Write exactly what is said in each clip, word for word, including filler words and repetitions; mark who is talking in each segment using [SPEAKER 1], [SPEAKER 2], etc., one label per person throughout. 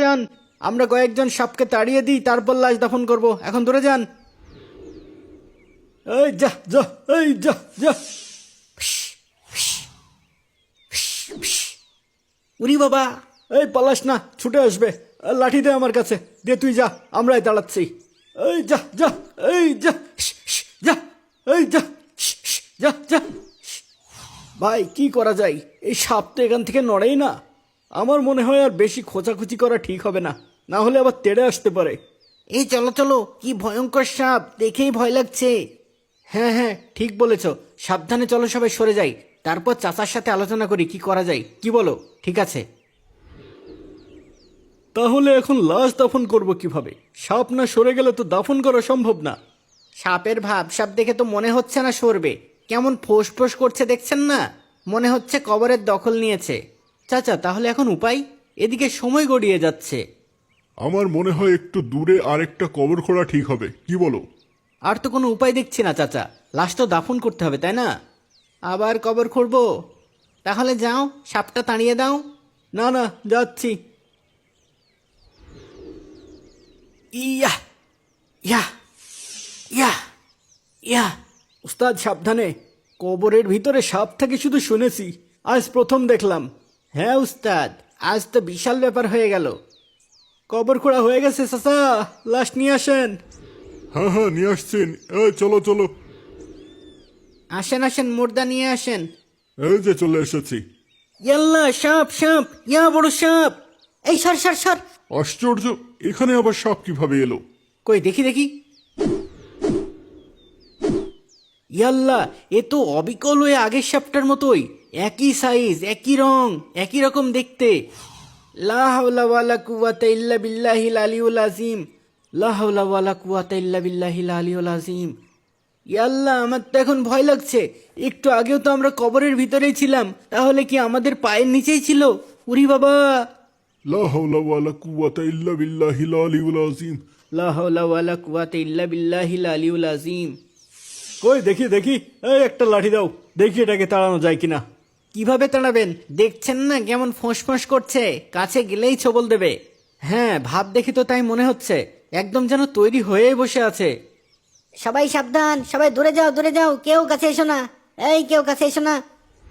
[SPEAKER 1] যান, আমরা কয়েকজন সাপকে তাড়িয়ে দিই, তারপর লাশ দাফন করব। এখন দূরে যান। এই যা যা, এই যা যা। উরি বাবা, এই পালাস না, ছুটে আসবে। লাঠি দে আমার কাছে, দে তুই যা, আমরাই দাঁড়াচ্ছি। এই যা যা, এই যা যা, এই যা যা যা। ভাই কি করা যায়, এই সাপ তো এখান থেকে নড়েই না। আমার মনে হয় আর বেশি খোঁচাখুচি করা ঠিক হবে না, না হলে আবার তেড়ে আসতে পারে। এই চলো চলো, কি ভয়ঙ্কর সাপ, দেখেই ভয় লাগছে। হ্যাঁ হ্যাঁ ঠিক বলেছ, সাবধানে চলো, সবাই সরে যাই, তারপর চাচার সাথে আলোচনা করি কি করা যায়। কি বলো? ঠিক আছে। তাহলে এখন লাশ দাফন করব কিভাবে? সাপ না সরে গেলে তো দাফন করা সম্ভব না। সাপের ভাব সাপ দেখে তো মনে হচ্ছে না সরবে, কেমন ফোঁস ফোঁস করছে দেখছেন না, মনে হচ্ছে কবরের দখল নিয়েছে। চাচা তাহলে এখন উপায়? এদিকে সময় গড়িয়ে যাচ্ছে।
[SPEAKER 2] আমার মনে হয় একটু দূরে আরেকটা কবর খোঁড়া ঠিক হবে, কি বলো?
[SPEAKER 1] আর তো কোনো উপায় দেখছি না চাচা, লাশ তো দাফন করতে হবে তাই না? আবার কবর খুঁড়বো? তাহলে যাও, সাপটা তাড়িয়ে দাও। না না, যাচ্ছি। ইয়া ইয়া ইয়া ইয়া। উস্তাদ সাবধানে, কবরের ভিতরে সাপ থাকে শুধু শুনেছি, আজ প্রথম দেখলাম। হ্যাঁ উস্তাদ, আজ তো বিশাল ব্যাপার হয়ে গেল। কবর খোঁড়া হয়ে গেছে চাচা, লাশ নিয়ে আসেন।
[SPEAKER 2] হ্যাঁ হ্যাঁ নিয়ে আসছেন, এই চলো চলো।
[SPEAKER 1] আসেন আসেন, মুর্দা নিয়ে আসেন।
[SPEAKER 2] এই যে চলে এসেছি।
[SPEAKER 1] ইয়াল্লা, সাপ সাপ, ইয়া বড় সাপ। এই সর সর সর।
[SPEAKER 2] আশ্চর্য, এখানে আবার সাপ কিভাবে এলো?
[SPEAKER 1] কই দেখি দেখি। ইয়াল্লা, এ তো অবিকল হয়ে আগের সাপটার মতোই, একই সাইজ, একই রং, একই রকম দেখতে। লা হাওলা ওয়ালা কুওয়াতা ইল্লা বিল্লাহিল আলিয়ুল আযীম, লা হাওলা ওয়ালা কুওয়াতা ইল্লা বিল্লাহিল আলিয়ুল আযীম। ইয়াল্লা, আমার তো এখন ভয় লাগছে। একটু আগেও তো আমরা কবরের ভিতরেই ছিলাম, তাহলে কি আমাদের পায়ের নিচেই ছিল? উরি বাবা।
[SPEAKER 2] লা হাওলা ওয়ালা কুওয়াতা ইল্লা বিল্লাহিল আলিয়ুল আযীম।
[SPEAKER 1] লা হাওলা ওয়ালা কুওয়াতা ইল্লা বিল্লাহিল আলিয়ুল আযীম। কই দেখি দেখি, এই একটা লাঠি দাও, দেখি এটাকে তাড়ানো যায় কিনা। কিভাবে তাড়াবেন? দেখছেন না কেমন ফোঁস ফোঁস করছে, কাছে গেলেই ছবল দেবে। হ্যাঁ, ভাব দেখি তো তাই মনে হচ্ছে, একদম যেন তৈরি হয়েই বসে আছে।
[SPEAKER 3] সবাই সাবধান, সবাই দূরে যাও, দূরে যাও, কেউ কাছে এসো না। এই কেউ কাছে এসো না।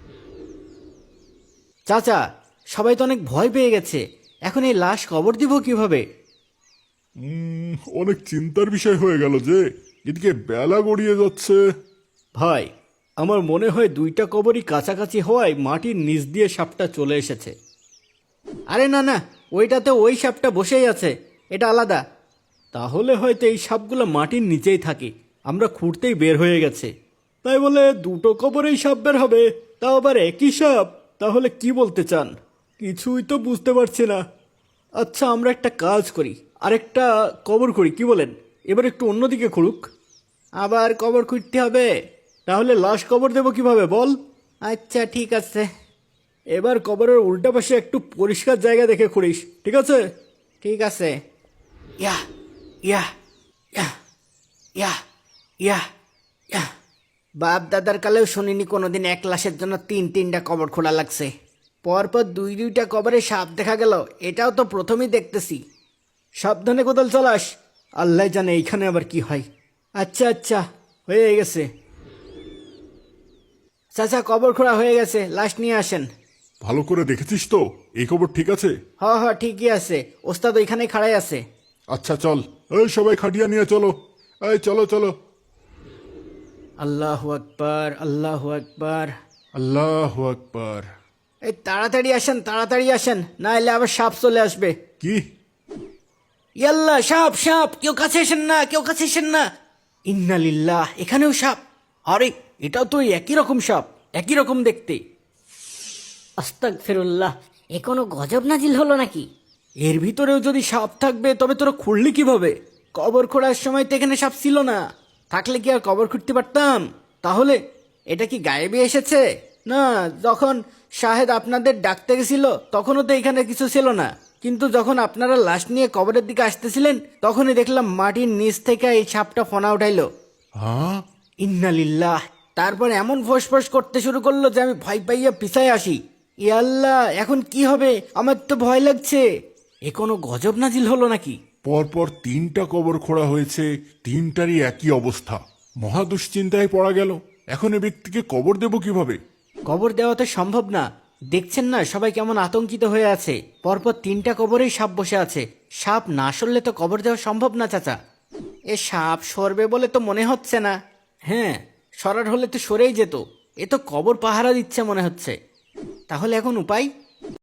[SPEAKER 1] চাচা, সবাই তো অনেক ভয় পেয়ে গেছে, এখন এই লাশ কবর দিব কিভাবে?
[SPEAKER 2] উম, অনেক চিন্তার বিষয় হয়ে গেল যে, এদিকে বেলা গড়িয়ে যাচ্ছে।
[SPEAKER 1] ভাই, আমার মনে হয় দুইটা কবরই কাছাকাছি হওয়ায় মাটির নিচ দিয়ে সাপটা চলে এসেছে। আরে না না, ওইটাতে ওই সাপটা বসেই আছে, এটা আলাদা। তাহলে হয়তো এই সাপগুলো মাটির নিচেই থাকে, আমরা খুঁড়তেই বের হয়ে গেছে। তাই বলে দুটো কবরেই সাপ বের হবে, তাও আবার একই সাপ? তাহলে কি বলতে চান? কিছুই তো বুঝতে পারছি না। আচ্ছা, আমরা একটা কাজ করি, আরেকটা কবর করি, কি বলেন? এবার একটু অন্যদিকে খুঁড়ুক। আবার কবর খুঁড়তে হবে? তাহলে লাশ কবর দেবো কিভাবে বল? আচ্ছা ঠিক আছে, এবার কবরের উল্টা পাশে একটু পরিষ্কার জায়গা দেখে খুঁড়িস, ঠিক আছে? ঠিক আছে। ইয়া ইয়া ইয়া ইয়া ইয়া ইয়া। বাপ দাদার কালেও শুনিনি কোনোদিন এক লাশের জন্য তিন তিনটা কবর খোঁড়া লাগছে। পরপর দুই দুইটা কবরে সাপ দেখা গেল, এটাও তো প্রথমেই দেখতেছি। সাবধানে কোদাল চালাস, আল্লাহ জানে এইখানে আবার কি হয়। আচ্ছা আচ্ছা, হয়ে গেছে। চাচা, কবর খোঁড়া হয়ে গেছে, লাশ নিয়ে আসেন।
[SPEAKER 2] ভালো করে দেখেছিস তো, এই খবর ঠিক আছে?
[SPEAKER 1] হ হ ঠিকই আছে, ওস্তাদ ওইখানে খাড়াই আছে।
[SPEAKER 2] আচ্ছা চল, এই সবাই খাটিয়া নিয়ে চলো, এই চলো চলো।
[SPEAKER 1] আল্লাহু আকবার, আল্লাহু আকবার।
[SPEAKER 2] আল্লাহু আকবার।
[SPEAKER 1] এই তাড়াতাড়ি আসেন, তাড়াতাড়ি আসেন, না এলে আবার সাপ চলে আসবে।
[SPEAKER 2] কি?
[SPEAKER 1] ইয়াল্লা, সাপ সাপ, কেউ কাছে এসেন না, কেউ কাছে এসেন না। ইন্নালিল্লাহ, এখানেও সাপ। আরে, এটাও তো ওই একই রকম সাপ, একই রকম দেখতে।
[SPEAKER 3] আস্তাগফিরুল্লাহ, এ কোনো গজব নাজিল হলো নাকি?
[SPEAKER 1] এর ভিতরেও যদি সাপ থাকবে তবে তোরা খুঁড়লি কিভাবে? কবর খোঁড়ার সময় তো এখানে সাপ ছিল না, থাকলে কি আর কবর খুঁড়তে পারতাম? তাহলে এটা কি গায়েবে এসেছে? না, যখন শাহেদ আপনাদের ডাকতে গেছিল তখনও তো এখানে কিছু ছিল না, কিন্তু যখন আপনারা লাশ নিয়ে কবরের দিকে আসতেছিলেন তখনই দেখলাম মাটির নিচ থেকে এই সাপটা ফনা উঠাইলো।
[SPEAKER 2] হ্যাঁ?
[SPEAKER 1] ইন্নালিল্লাহ। তারপর এমন ফোঁস করতে শুরু করলো যে আমি ভয় পাইয়া পিছায় আসি। ইয়াল্লাহ, এখন কি হবে? আমার তো ভয় লাগছে। এ কোনো গজব নাজিল হলো নাকি?
[SPEAKER 2] পরপর তিনটা কবর খোঁড়া হয়েছে, তিনটারই একই অবস্থা। মহা দুশ্চিন্তায় পড়া গেল। এখন এ ব্যক্তিকে কবর দেব কিভাবে?
[SPEAKER 1] কবর দেওয়া তো সম্ভব না। দেখছেন না সবাই কেমন আতঙ্কিত হয়ে আছে। পরপর তিনটা কবরেই সাপ বসে আছে। সাপ না সরলে তো কবর দেওয়া সম্ভব না চাচা। এ সাপ সরবে বলে তো মনে হচ্ছে না। হ্যাঁ, সরার হলে তো সরেই যেত। এ তো কবর পাহারা দিচ্ছে মনে হচ্ছে। তাহলে এখন উপায়?